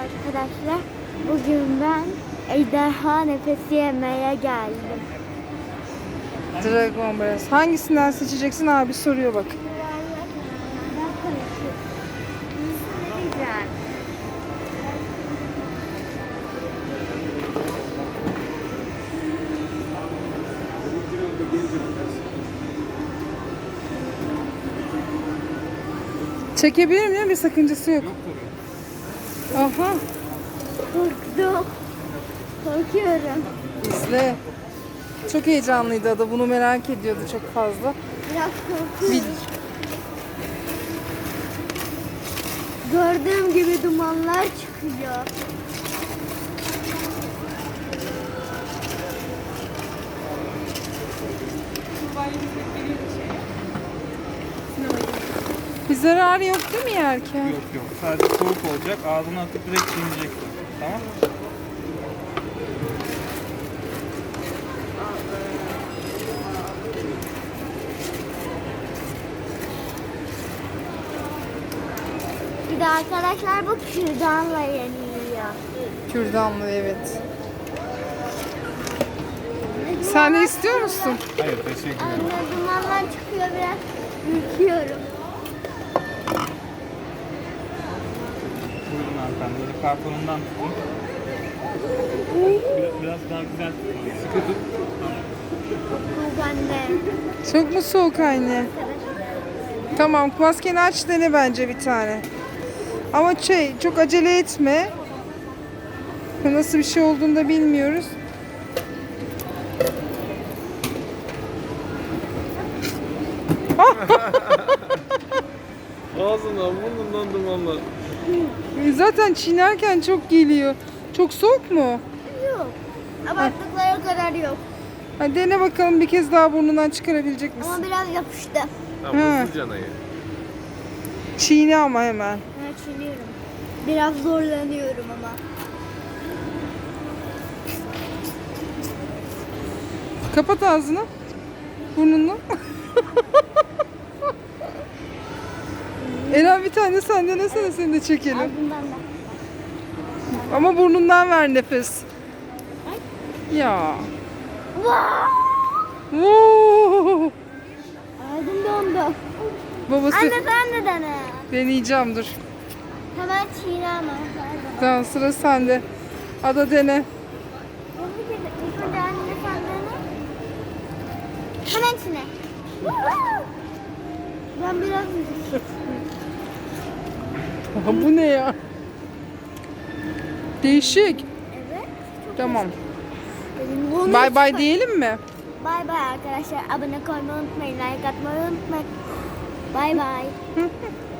arkadaşlar. Bugün ben ejderha nefesi yemeye geldim. Dragon Breath. Hangisinden seçeceksin abi soruyor bak. Çekebilir miyim? Bir sakıncası yok. Aha. Korktum. Korkuyorum. İzle. Çok heyecanlıydı Ada. Bunu merak ediyordu çok fazla. Biraz korkuyorum. Gördüğüm gibi dumanlar çıkıyor. Bir zararı yok değil mi yerken? Yok yok. Sadece soğuk olacak. Ağzına atıp direkt çiğneyeceksin. Tamam? Bir de arkadaşlar bu kürdanla yeniliyor. Kürdanlı evet. Sen de istiyor musun? Hayır teşekkür ederim. Anne dumanlar çıkıyor, biraz ürküyorum. Buyurun hanımefendi. Böyle kartonundan tutun. Biraz daha güzel tutun. Sıkı tut. Bu bende. Çok mu soğuk anne? Tamam, maskeni aç dene bence bir tane. Ama çok acele etme. Nasıl bir şey olduğunu da bilmiyoruz. Ağzından burnundan dumanlar. Zaten çiğnerken çok geliyor. Çok soğuk mu? Yok. Abarttıkları kadar yok. Hadi dene bakalım bir kez daha burnundan çıkarabilecek misin? Ama biraz yapıştı. Tamam hızlı canayı. Çiğne ama hemen. Evet, çiğniyorum. Biraz zorlanıyorum ama. Kapat ağzını. Burnunu. Eren bir tane sen denesene, seni de çekelim. Al bundan da. Ama burnundan ver nefes. Ya. Oo. Ağzım dondu. Babası Anne sen de dene. deneyeceğim dur. Hemen çiğne ama. Tamam sıra sende. Ada dene. İlk önce anne sen dene. Hemen çiğne. Ben biraz Aha, bu ne ya? Değişik. Evet. Tamam. Bunu Bay bay diyelim mi? Bay bay arkadaşlar. Abone olmayı unutmayın. Like atmayı unutmayın. Bay bay.